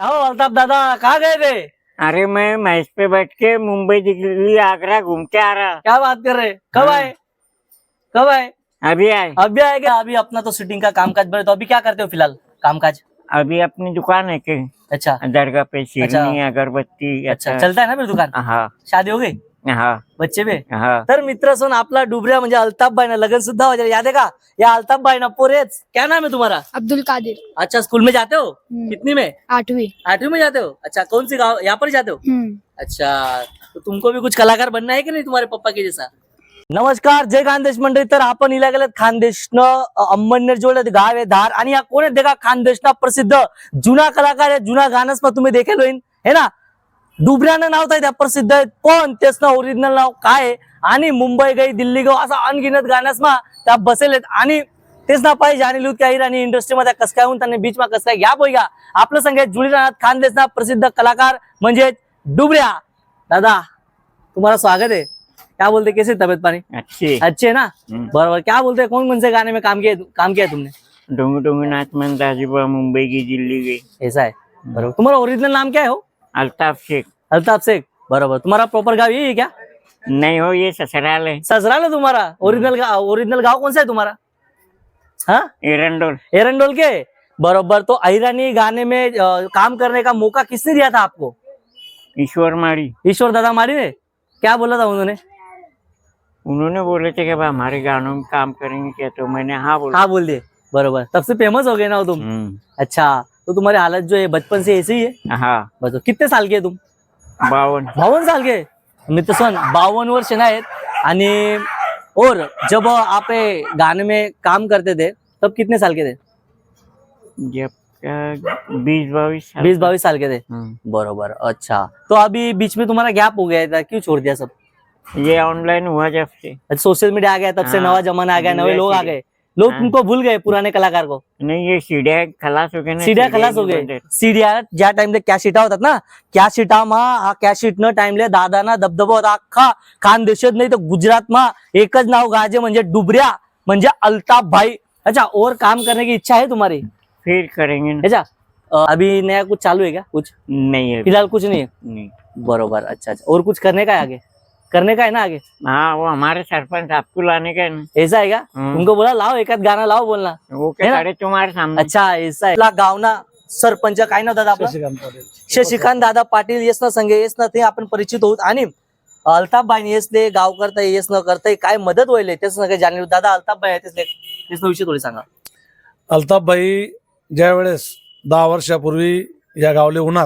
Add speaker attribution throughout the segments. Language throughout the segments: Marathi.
Speaker 1: आओ अल्ताफ दादा, कहाँ गए थे?
Speaker 2: अरे मैं मैच पे बैठ के मुंबई दिल्ली आगरा घूमते आ रहा।
Speaker 1: क्या बात कर रहे? कब
Speaker 2: हाँ।
Speaker 1: आए? कब आए?
Speaker 2: अभी आए।
Speaker 1: अभी आए क्या? अभी अपना तो शूटिंग का कामकाज बड़े, तो अभी क्या करते हो फिलहाल कामकाज?
Speaker 2: अभी अपनी दुकान है के
Speaker 1: अच्छा
Speaker 2: दरगाह पे शिरनी अगरबत्ती
Speaker 1: अच्छा, चलता है ना फिर दुकान?
Speaker 2: हाँ
Speaker 1: शादी हो गई?
Speaker 2: हाँ
Speaker 1: बच्चे बे?
Speaker 2: हाँ
Speaker 1: तर मित्र सोन आपला डुबऱ्या म्हणजे अल्ताफ भाई ना लग्न सुद्धा हो जाए, याद है का? या अल्ताफ भाई ना पोरेच, क्या नाम है तुम्हारा?
Speaker 3: अब्दुल कादिर।
Speaker 1: अच्छा, स्कूल में जाते हो? कितनी में?
Speaker 3: 8वीं।
Speaker 1: 8वीं में जाते हो? अच्छा, कौन सी गाँव, यहाँ पर जाते हो? अच्छा, तो तुमको भी कुछ कलाकार बनना है की नाही तुम्हारे पप्पा के जैसा? नमस्कार, जय खानदेश मंडळी. तर आपण इला गेलेत खानदेशनं अंमळनेर जोडले गाव आहे धार, आणि या कोण आहेत देखा खानदेशना प्रसिद्ध जुना कलाकार आहे. जुना गाणंच पण तुम्ही देखेल होईन है ना. डुबऱ्यानं नाव त्या प्रसिद्ध आहेत, पण त्याचं ओरिजिनल नाव काय आहे, आणि मुंबई गई दिल्ली गो असा अनगिनत गाण्यास मा त्या बसेल आहेत. आणि तेच ना पाहिजे आणि लूत काही आणि इंडस्ट्रीमध्ये कस काय होऊन त्यांनी बीच मा कस काय घ्या पोयगा आपलं संगीत जुळी राहणार खानदेशना प्रसिद्ध कलाकार म्हणजे डुबऱ्या. दादा तुम्हारा स्वागत है. क्या बोलते, कैसे तबियत पानी? अच्छे है ना? बराबर. क्या बोलते, कौन से गाने में काम किया तुमने?
Speaker 2: डोंगू डोंगू नाच मन दाजीबा मुंबई की दिल्ली गई.
Speaker 1: ऐसा है, बराबर. तुम्हारा ओरिजिनल नाम क्या है? हो
Speaker 2: अल्ताफ शेख.
Speaker 1: अल्ताफ शेख, बराबर. तुम्हारा प्रॉपर गाँव यही है क्या?
Speaker 2: नहीं हो, ये ससुराल है.
Speaker 1: ससुराल है तुम्हारा? ओरिजिनल गाँव कौन सा है तुम्हारा? हाँ,
Speaker 2: एरंडोल.
Speaker 1: एरंडोल के, बराबर. तो अहिरानी गाने में काम करने का मौका किसने दिया था आपको?
Speaker 2: ईश्वर माड़ी.
Speaker 1: ईश्वर दादा मारी ने. क्या बोला था
Speaker 2: उन्होंने बोले थे कि भाई हमारे गानों में काम करेंगे क्या, तो मैंने हाँ बोला.
Speaker 1: हाँ बोल दिए, बराबर. तब से फेमस हो गए ना हो तुम. अच्छा, तो तुम्हारी हालत जो है बचपन से ऐसी ही है?
Speaker 2: हाँ.
Speaker 1: बस. कितने साल के है तुम?
Speaker 2: 52.
Speaker 1: साल के मित्र सन 52 वर्ष ना आहेत. आणि और जब आप ये गाने में काम करते थे तब कितने साल के थे?
Speaker 2: जब 20-22
Speaker 1: 20-22 साल के थे, बरोबर. अच्छा, तो अभी बीच में तुम्हारा गैप हो गया था, क्यों छोड़ दिया सब?
Speaker 2: ये ऑनलाइन हुआ जब से.
Speaker 1: सोशल मीडिया आ गया तब से
Speaker 2: हाँ,
Speaker 1: नवा जमाना आ गया, नए लोग आ गए, लोग
Speaker 2: हाँ.
Speaker 1: तुमको भूल गए पुराने कलाकार को.
Speaker 2: नहीं, ये सीढ़िया खलास हो गए ना.
Speaker 1: सीड्या खलास हो गए. सीड्या ज्या टाइमले कॅशिटा होतात ना, कॅशिटा मा हा कॅशिट न टाइमले दादाना दबदबा होता अख्खा खानदेशात, नाही तर गुजरात मा एकच नाव गाजे म्हणजे डुबऱ्या म्हणजे अल्ताफ भाई. अच्छा, और काम करने की इच्छा है तुम्हारी?
Speaker 2: फिर करेंगे ना.
Speaker 1: अच्छा, अभी नया कुछ चालू है क्या? कुछ
Speaker 2: नहीं है
Speaker 1: फिलहाल कुछ नहीं है,
Speaker 2: नहीं.
Speaker 1: बरोबर. अच्छा, और कुछ करने का है आगे? करने का है ना आगे?
Speaker 2: हाँ, वो हमारे सरपंच आपको लाने का है ना.
Speaker 1: ऐसा है क्या? उनको बोला लाओ एकाद गाना लाओ बोलना.
Speaker 2: वो क्या सारे तुम्हारे सामने.
Speaker 1: अच्छा, ऐसा आहे. आपला गावना सरपंच काय नाव दादा आपला? शशिकांत दादा पाटील. येस ना संगे, येस ना ते आपण परिचित होत. आणि अल्ताफ भाई येस ले गाव करताय, येस न करताय, काय मदत होईल त्याच सगळं जाणीव. दादा अल्ताफ भाई तेच विषय थोडी सांगा.
Speaker 4: अल्ताफ भाई ज्या वेळेस 10 वर्षापूर्वी या गावले उन्हात,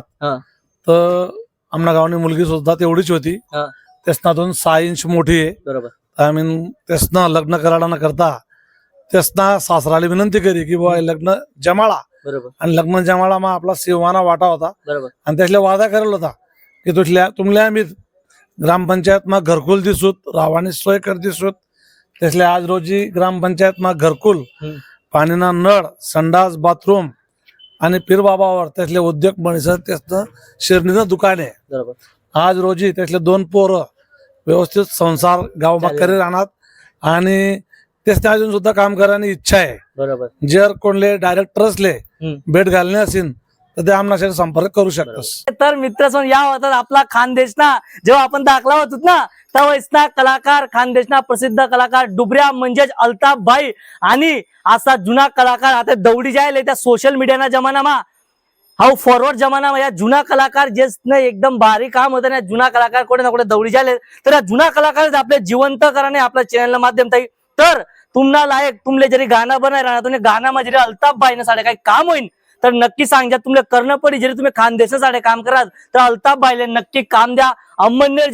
Speaker 4: तर आमना गावनी मुलगी सुद्धा तेवढीच होती. त्यासना 6 इंच मोठी आहे.
Speaker 1: बरोबर.
Speaker 4: आम्ही त्यासना लग्न करायला न करता त्यासना सासराला विनंती करी की बाबा लग्न जमाळा.
Speaker 1: बरोबर.
Speaker 4: आणि लग्न जमाळा मा आपला शिवाना वाटा होता.
Speaker 1: बरोबर.
Speaker 4: आणि त्यातल्या वादा करेल होता की तुमल्या आम्ही ग्रामपंचायत मा घरकुल दिसूत, रावानी सोय कर दिसूत. त्यातल्या आज रोजी ग्रामपंचायत मा घरकुल, पाणीना नळ, संडास, बाथरूम आणि पीर बाबावर त्यातले उद्योग म्हणसर त्याचं शिरणीचं दुकान आहे.
Speaker 1: बरोबर.
Speaker 4: आज रोजी त्यातले 2 पोरं व्यवस्थित संसार गाव करी राहणार, आणि त्याच्या अजून सुद्धा काम करायची इच्छा आहे.
Speaker 1: बरोबर.
Speaker 4: जर कोणले डायरेक्टर्सले भेट घालणे असेल तर ते आमच्याशी संपर्क करू शकतात.
Speaker 1: तर मित्र या होतात आपला खानदेशना जेव्हा आपण दाखला होतो ना, तेव्हा कलाकार खानदेशना प्रसिद्ध कलाकार डुबऱ्या म्हणजेच अल्ताफ भाई. आणि असा जुना कलाकार आता दौडी जायला त्या सोशल मीडियाना जमानामा, हा फॉरवर्ड जमाना या जुना कलाकार जे एकदम भारी काम होतं ना, जुना कलाकार कोणी ना कोणी दौडी जायले, तर या जुना कलाकार आपले जिवंत कराने आपल्या चॅनल माध्यम ताई. तर तुम्हाला लायक तुमले जरी गाणं बनाय राहणार, तुम्ही गाणं जरी अल्ताफ भाई साडे काही काम होईल तर नक्की सांगा. तुमले करणं पडी जरी तुम्ही खानदेशासाठी काम कराल तर अल्ताफ भाईले नक्की काम द्या. अंमळनेर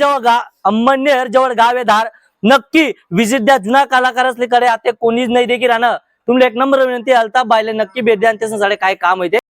Speaker 1: जवळ गाव आहे धार, नक्की विजिट द्या. जुना कलाकार असल्याकडे आता कोणीच नाही देखील राहणं. तुमले एक नंबर विनंती, अल्ताफ भाईले नक्की भेट द्या आणि त्यासाठी काय काम होते